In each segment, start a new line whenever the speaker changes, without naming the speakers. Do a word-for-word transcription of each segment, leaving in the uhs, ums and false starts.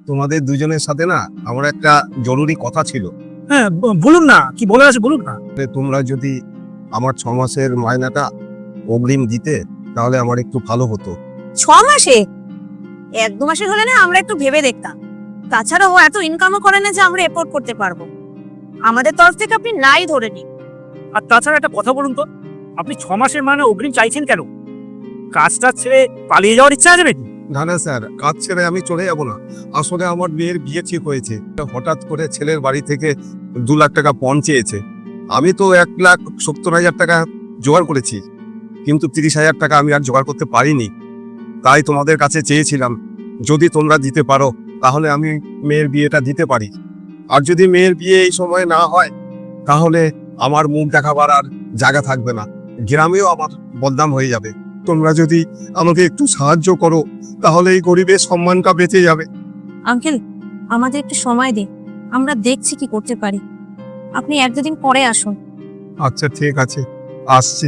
তোমাদের দুজনের সাথে না আমার একটা জরুরি কথা ছিল।
হ্যাঁ ব- বলুন না, কি বলার আছে বলুন না।
যে তোমরা যদি আমার ছ মাসের মাইনাটা অগ্রিম দিতে তাহলে আমার একটু ভালো হতো।
ছ মাসে? এক দু মাসের হলে না আমরা একটু ভেবে দেখতাম। তাছাড়া ও এত ইনকামও করে না যে আমরা এফোর্ড করতে পারবো। আমাদের তরফ থেকে আপনি নাই ধরে নিন।
আর তাছাড়া একটা কথা বলুন তো, আপনি ছ মাসের মানে অগ্রিম চাইছেন কেন? কাজটা ছেড়ে পালিয়ে যাওয়ার ইচ্ছা আছে নাকি?
না না স্যার, কাজ ছেড়ে আমি চলে যাব না। আসলে আমার মেয়ের বিয়ে ঠিক হয়েছে, হঠাৎ করে ছেলের বাড়ি থেকে দু লাখ টাকা পণ চেয়েছে। আমি তো এক লাখ সত্তর হাজার টাকা জোগাড় করেছি, কিন্তু তিরিশ হাজার টাকা আমি আর জোগাড় করতে পারিনি। তাই তোমাদের কাছে চেয়েছিলাম, যদি তোমরা দিতে পারো তাহলে আমি মেয়ের বিয়েটা দিতে পারি। আর যদি মেয়ের বিয়ে এই সময় না হয় তাহলে আমার মুখ দেখাবার আর জায়গা থাকবে না, গ্রামেও আমার বদনাম হয়ে যাবে। তোমরা যদি আমাকে একটু সাহায্য করো তাহলে এই গরিবের সম্মানটা বেঁচে যাবে।
আঙ্কেল, আমাদের একটু সময় দিন, আমরা দেখছি কি করতে পারি। আপনি এক দুদিন পরে আসুন।
আচ্ছা ঠিক আছে, আসছি।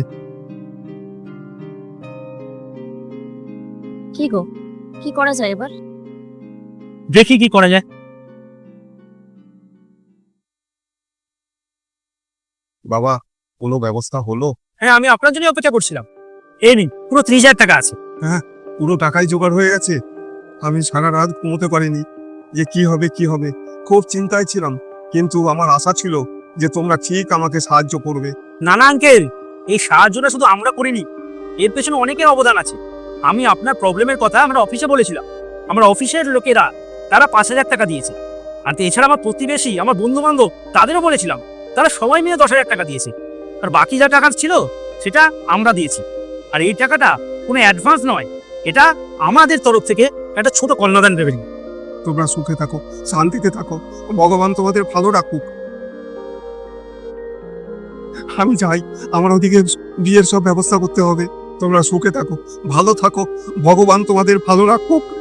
কি গো, কি করা যায় এবার?
দেখি কি করা যায়।
বাবা, কোনো ব্যবস্থা হলো?
হ্যাঁ, আমি আপনার জন্য অপেক্ষা করছিলাম। এই নিন, পুরো ত্রিশ হাজার টাকা আছে।
পুরো টাকাই জোগাড় হয়ে গেছে? আমি সারা রাত ঘুমোতে পারিনি, যে কি হবে কি হবে, খুব চিন্তায় ছিলাম। কিন্তু আমার আশা ছিল যে তোমরা ঠিক আমাকে সাহায্য করবে।
না না আঙ্কেল, এই সাহায্যটা শুধু আমরা করিনি, এর পেছনে অনেকের অবদান আছে। আমি আপনার প্রবলেমের কথা আমরা অফিসে বলেছিলাম, আমার অফিসের লোকেরা তারা পাঁচ হাজার টাকা দিয়েছে। আর এছাড়া আমার প্রতিবেশী, আমার বন্ধু বান্ধব, তাদেরও বলেছিলাম, তারা সবাই মিলে দশ হাজার টাকা দিয়েছে। আর বাকি যা টাকা ছিল সেটা আমরা দিয়েছি। আর এই টাকাটা কোনো অ্যাডভান্স নয়, এটা আমাদের তরফ থেকে একটা ছোট কন্যাদান রেভিনিউ।
তোমরা সুখে থাকো, শান্তিতে থাকো, ভগবান তোমাদের ভালো রাখুক। আমি চাই, আমার ওদিকে বিয়ের সব ব্যবস্থা করতে হবে। তোমরা সুখে থাকো, ভালো থাকো, ভগবান তোমাদের ভালো রাখুক।